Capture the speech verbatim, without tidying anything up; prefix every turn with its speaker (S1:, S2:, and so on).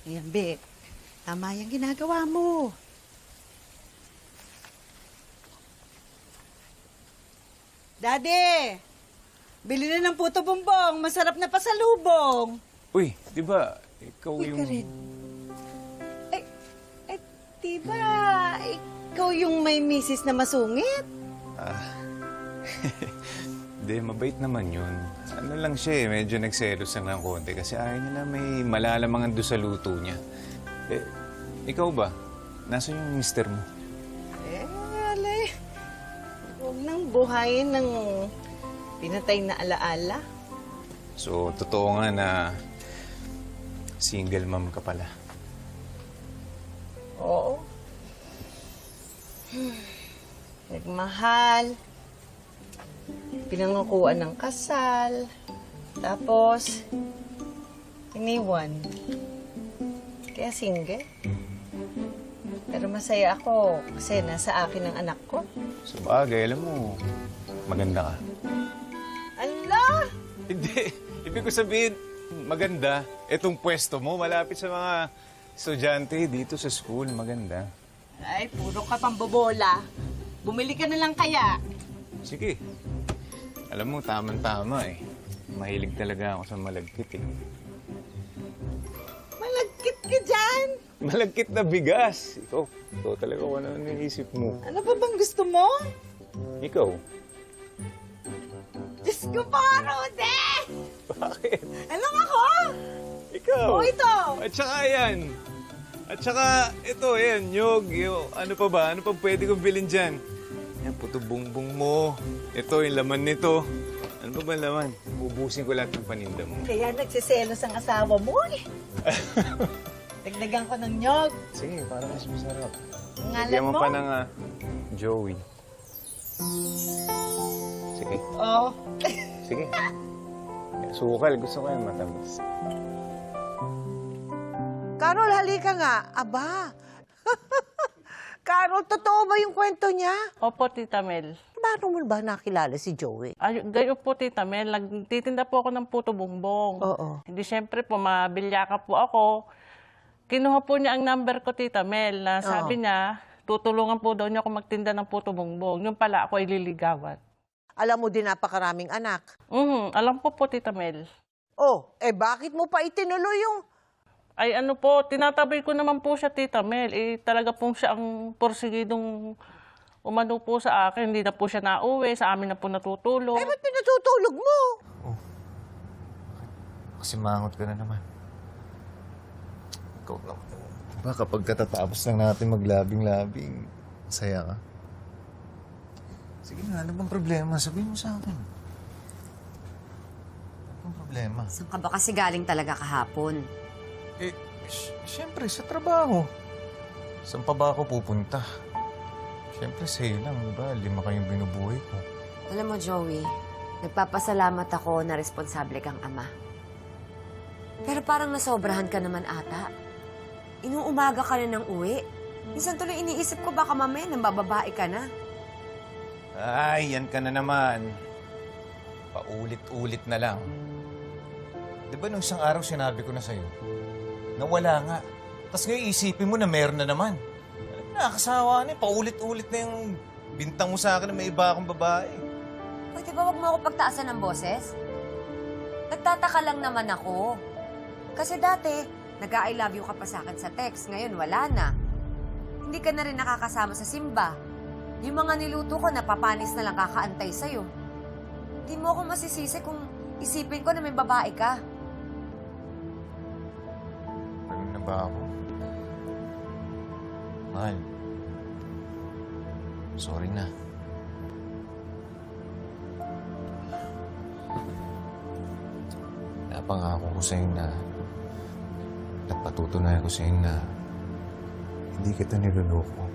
S1: Ayan, Bek. Tama yung ginagawa mo. Daddy! Bili na ng puto bumbong. Masarap na pasalubong.
S2: Uy, di ba ikaw
S1: Uy,
S2: yung...
S1: ka rin. Eh, eh, di ba ikaw yung may misis na masungit?
S2: Ah, hindi, mabait naman yun. Ano lang siya eh, medyo nagselos lang ng konti kasi ayaw niya na may malalamangan doon sa luto niya. Eh, ikaw ba? Nasaan yung mister mo?
S1: Eh, alay. Huwag nang buhayin ng pinatay na alaala.
S2: So, totoo nga na single mom ka pala.
S1: Oo. Nagmahal. Pinangakuan ng kasal. Tapos, iniwan. Kaya single. Pero masaya ako kasi nasa akin ang anak ko.
S2: Sa bagay, alam mo, maganda ka.
S1: Allah!
S2: Hindi. Ibig ko sabihin, maganda. Itong pwesto mo, malapit sa mga estudyante dito sa school. Maganda.
S1: Ay, puro ka pambobola. Bumili ka na lang kaya.
S2: Sige. Alam mo, tamang-tama eh. Mahilig talaga ako sa malagkit eh.
S1: Malagkit ka dyan.
S2: Malagkit na bigas. Ikaw, ikaw talaga kung ano naisip mo.
S1: Ano pa bang gusto mo?
S2: Ikaw.
S1: Diyos ko pa, Rude!
S2: Bakit?
S1: Alam ako!
S2: Ikaw.
S1: O ito!
S2: At saka yan. At saka ito, yan, nyog. Yung, ano pa ba? Ano pa pwede kong bilhin dyan? Yan, puto bungbong mo. Ito, yung laman nito. Ano pa ba laman? Ubusin ko lahat ng paninda mo.
S1: Kaya nagsiselos ang asawa mo eh. Dagdagan ko ng nyog.
S2: Sige, para mas masarap.
S1: Ang ngalan
S2: Bigyan mo
S1: mo?
S2: pa ng ah, Joey. Sige.
S1: Oo.
S2: Sige. Sukal. Gusto ko yan matamis.
S3: Carol, halika nga. Aba. Carol, totoo ba yung kwento niya?
S4: Opo, Tita Mel.
S3: Paano mo ba nakilala si Joey?
S4: Ay, gayo po, Tita Mel. Nagtitinda po ako ng puto bumbong.
S3: Oo.
S4: Hindi, syempre po, mabilyaka po ako. Kinuha po niya ang number ko, Tita Mel, na sabi niya, tutulungan po daw niya ako magtinda ng puto bumbong. Yung pala ako ay liligawan.
S3: Alam mo din napakaraming anak.
S4: Mhm, alam po po, Tita Mel.
S3: Oh, eh bakit mo pa itinuloy yung...
S4: Ay ano po, tinatabi ko naman po siya, Tita Mel. Eh, talaga pong siya ang porsigidong umano po sa akin. Hindi na po siya nauwi, sa amin na po natutulog.
S3: Eh, ba't pinatutulog mo?
S2: Kasi mangot ka na naman. Ikaw na. Diba kapag katatapos lang natin maglabing-labing, masaya ka? Sige na, ano bang problema? Sabihin mo sa akin. Ano bang problema?
S5: Saan ka ba kasi galing talaga kahapon?
S2: Eh, sy- syempre, sa trabaho. Saan pa ba ako pupunta? Syempre, sa'yo lang, diba? Lima kayong binubuhay ko.
S5: Alam mo, Joey, nagpapasalamat ako na responsable kang ama. Pero parang nasobrahan ka naman ata. Inuumaga ka na ng uwi. Minsan tuloy iniisip ko baka mamaya nang bababae ka na.
S2: Ay, yan ka na naman. Paulit-ulit na lang. Di ba nung isang araw sinabi ko na sa'yo, na wala nga. Tapos ngayon isipin mo na meron na naman. Nakakasawa na eh. Paulit-ulit na yung bintang mo sa akin na may iba akong babae.
S5: Pwede ba wag mo ako pagtaasan ng boses? Nagtataka lang naman ako. Kasi dati, nag-I love you ka pa sa akin sa text. Ngayon, wala na. Hindi ka na rin nakakasama sa simba. Yung mga niluto ko, napapanis na lang kakaantay sa'yo. Hindi mo ako masisisi kung isipin ko na may babae ka.
S2: Ano na ba ako? Mahal. Sorry na. Napangako ko sa'yo na at patutunayan ko sa'yo na hindi kita niloloko.